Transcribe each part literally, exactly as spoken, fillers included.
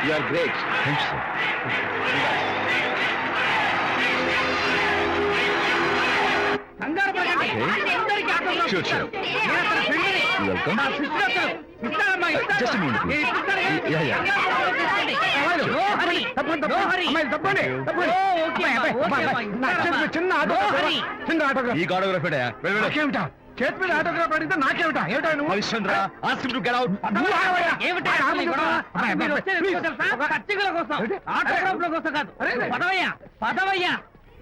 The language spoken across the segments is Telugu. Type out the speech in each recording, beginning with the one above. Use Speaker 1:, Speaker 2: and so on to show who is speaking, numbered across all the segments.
Speaker 1: You are great. Thanks, sir.
Speaker 2: కంగారు పడకండి.
Speaker 1: Okay.
Speaker 2: అందరికీ ఆటోగ్రాఫ్
Speaker 1: Sure, sure.
Speaker 2: నేను అతని ఫ్రెండ్ని.
Speaker 1: Welcome.
Speaker 2: నా సిస్టర్ అతను. ఇస్తానమ్మా, ఇస్తాను.
Speaker 1: Just a moment, please.
Speaker 2: నేను ఇప్పిస్తాను కానీ
Speaker 1: Yeah, yeah.
Speaker 2: కంగారు పడకండి.
Speaker 3: అమ్మాయిలు,
Speaker 2: No hurry.
Speaker 3: తప్పండి,
Speaker 2: No
Speaker 3: తప్పండి.
Speaker 2: hurry.
Speaker 3: అమ్మాయిలు, తప్పండి, తప్పండి.
Speaker 2: ఓ, ఓకే
Speaker 3: అమ్మాయి,
Speaker 2: అమ్మా,
Speaker 3: అమ్మాయి,
Speaker 2: ఓకే
Speaker 3: అమ్మాయి,
Speaker 2: అమ్మా,
Speaker 3: నా
Speaker 2: ఇస్తానమ్మా.
Speaker 3: చేతిలో చిన్న
Speaker 2: No
Speaker 3: ఆటోగ్రాఫ్
Speaker 2: hurry.
Speaker 3: చిన్న ఆటోగ్రాఫ్
Speaker 1: ఈ ఆటోగ్రాఫ్
Speaker 3: నాకేమిటా చేతి మీద ఆటోగ్రాఫ్ అడిగితే నాకేమిటా ఏమిటా నువ్వు
Speaker 1: Harishchandra ask him to get out.
Speaker 3: నువ్వు ఆగవయ్యా.
Speaker 2: ఏమిటి
Speaker 3: ఆగ,
Speaker 2: అసలు ఈ గొడవ?
Speaker 3: అమ్మాయి,
Speaker 2: మీరు
Speaker 3: అమ్మాయి,
Speaker 2: వచ్చేది
Speaker 3: please.
Speaker 2: ఎందుకో తెలుసా?
Speaker 3: ఒక-
Speaker 2: పచ్చికల కోసం,
Speaker 3: ఏంటి?
Speaker 2: ఆటోగ్రాఫ్ల కోసం కాదు.
Speaker 3: అరే, అరే.
Speaker 2: పదవయ్యా, పదవయ్యా.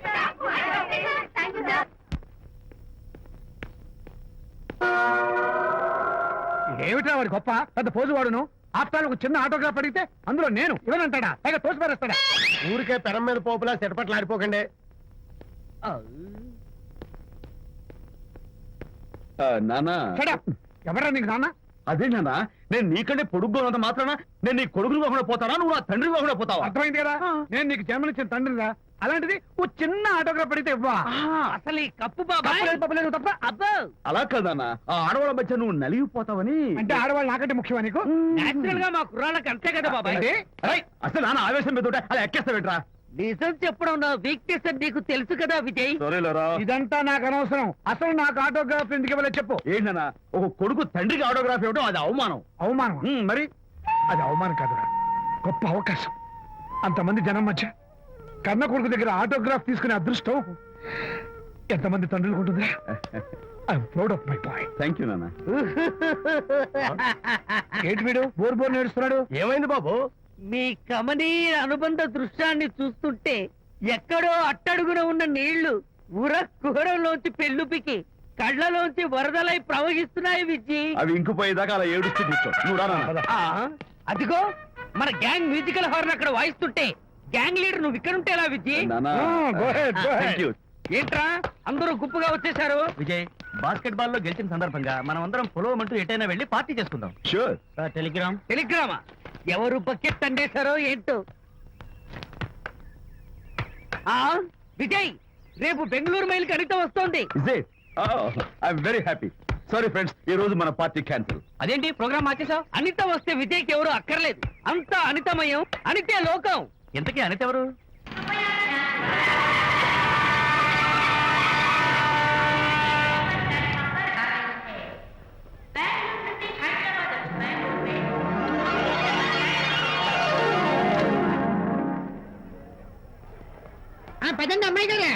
Speaker 3: ఏమిటా వాడి గొప్ప పెద్ద పోజు వాడును ఆప్తాను ఒక చిన్న ఆటోగ్రాఫ్ అడిగితే అందులో నేను ఇవ్వనంటాడా పైగా తోసి పారేస్తాడా
Speaker 4: ఊరికే పెరం మీద పోపులా చెటపట్లు ఆడిపోకండి.
Speaker 1: నానా
Speaker 3: Shut up. ఎవరా నీకు నాన్న
Speaker 1: అదే నాన్న నేను నీకంటే పొడుగ్గా ఉన్నంత మాత్రాన నేను నీ కొడుకుని కాకుండా పోతానా నువ్వు నా తండ్రి కాకుండా పోతావా?
Speaker 3: అర్థమైంది కదా నేను నీకు జన్మనిచ్చిన తండ్రిరా అలాంటిది ఓ చిన్న ఆటోగ్రాఫ్ అడిగితే ఇవ్వా
Speaker 2: అసలు ఈ కప్పు బాబాయ్
Speaker 3: తప్పలేదు, తప్పలేదు, తప్ప
Speaker 2: అబ్బో
Speaker 1: అలా కాదన్నా ఆ ఆడవాళ్ళ మధ్య నువ్వు నలిగిపోతావని.
Speaker 3: అంటే ఆడవాళ్ళు నాకంటే ముఖ్యమా నీకు
Speaker 2: నేచురల్ గా మా కుర్రాళ్ళకి అంతే కదా బాబాయ్.
Speaker 3: ఏంటి?
Speaker 1: అరే, అసలు నాన్న ఆవేశం మీద ఉంటే అలా ఎక్కేస్తావేట్రా?
Speaker 2: నిజం చెప్పడం నా వీక్నెస్ అని నీకు తెలుసు కదా విజయ్.
Speaker 1: సరేలేరా.
Speaker 3: ఇదంతా నాకు అనవసరం అసలు నాకు ఆటోగ్రాఫ్ ఎందుకు ఇవ్వలేదు చెప్పు
Speaker 1: ఏంటన్నా ఒక కొడుకు తండ్రికి ఆటోగ్రాఫ్ ఇవ్వడం అది అవమానం.
Speaker 3: అవమానం
Speaker 1: ఉమ్, మరి
Speaker 3: అది అవమానం కాదురా గొప్ప అవకాశం అంతమంది జనం మధ్య కన్న కొడుకు దగ్గర ఆటోగ్రాఫ్ తీసుకునే అదృష్టం ఎంతమంది తండ్రులకు ఉంటుందిరా I'm proud of my boy
Speaker 1: thank you నాన్న.
Speaker 3: ఏంటి వీడు బోర్ బోర్ నేడుస్తున్నాడు
Speaker 4: ఏమైంది బాబు?
Speaker 2: మీ కమనీయ అనుబంధ దృశ్యాన్ని చూస్తుంటే ఎక్కడో అట్టడుగున ఉన్న నీళ్లు ఉర కుహరంలోంచి పెళ్ళుపికి కళ్ళలోంచి వరదలై ప్రవహిస్తున్నాయి విజ్జి.
Speaker 1: అవి ఇంకుపోయేదాకా అలా ఏడుస్తూ కూర్చో. నువ్వు రా నాన్న.
Speaker 2: ఆ, అదిగో మన గ్యాంగ్ మ్యూజికల్ హార్న్ అక్కడ వాయిస్తుంటే గ్యాంగ్ లీడర్ నువ్వు ఇక్కడ ఉంటే ఎలా విజ్జి?
Speaker 1: నాన్న
Speaker 3: go ahead, go ahead.
Speaker 1: Thank you.
Speaker 2: ఏంట్రా అందరూ గుంపుగా వచ్చేసారు?
Speaker 5: విజయ్ బాస్కెట్ బాల్ లో గెలిచిన సందర్భంగా మనం అందరం పొలవమంటూ ఎటైనా వెళ్ళి పార్టీ చేసుకుందాం.
Speaker 1: షూర్.
Speaker 5: టెలిగ్రామ్
Speaker 2: టెలిగ్రామా? ఎవరు బకెట్ అండేశారో ఏంటో. ఆ విజయ్ రేపు బెంగళూరు మైల్ అనిత వస్తోంది.
Speaker 1: Is it? I'm very happy. Sorry friends, ఈ రోజు మన పార్టీ క్యాన్సిల్.
Speaker 2: అదేంటి ప్రోగ్రామ్ మార్చేసావు? అనిత వస్తే విజయ్కి ఎవరు అక్కర్లేదు. అంతా అనితమయం, అనితే లోకం.
Speaker 5: ఇంతకీ అనిత ఎవరు?
Speaker 4: పదండి అమ్మాయి గారే.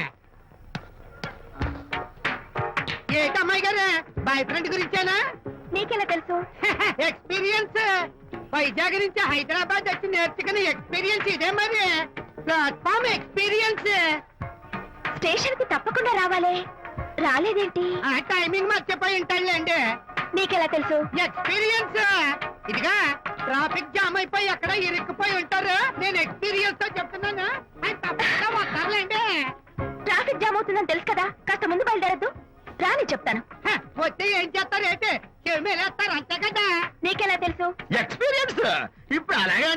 Speaker 4: ఏంటి అమ్మాయి గారే బాయ్ ఫ్రెండ్ గురించేనా?
Speaker 6: నీకెలా తెలుసు?
Speaker 4: ఎక్స్పీరియన్స్ వైజాగ్ నుంచి హైదరాబాద్ వచ్చి నేర్చుకునే ఎక్స్పీరియన్స్ ఇదే మరి. Platform experience.
Speaker 6: స్టేషన్ కి తప్పకుండా రావాలే, రాలేదేంటి?
Speaker 4: ఆ టైమింగ్ మర్చిపోయి ఉంటాడులేండి.
Speaker 6: నీకెలా తెలుసు?
Speaker 4: ఎక్స్పీరియన్స్ ఇదిగా ట్రాఫిక్ జామ్ అయిపోయి ఎక్కడ ఇరుక్కుపోయి ఉంటారు. నేను ఎక్స్పీరియన్స్ తో చెప్తున్నాను. ఆయన తప్పకుండా వస్తారులేండి.
Speaker 6: ట్రాఫిక్ జామ్ అవుతుందని తెలుసు కదా, కాస్త ముందు బయలుదేరద్దు. రాని చెప్తాను.
Speaker 4: హ, వస్తే ఏం చేస్తారు ఏంటి? చెమేలేస్తారు అంతే కదా.
Speaker 6: నీకెలా తెలుసు?
Speaker 1: ఎక్స్పీరియన్స్ ఇప్పుడు అలాగే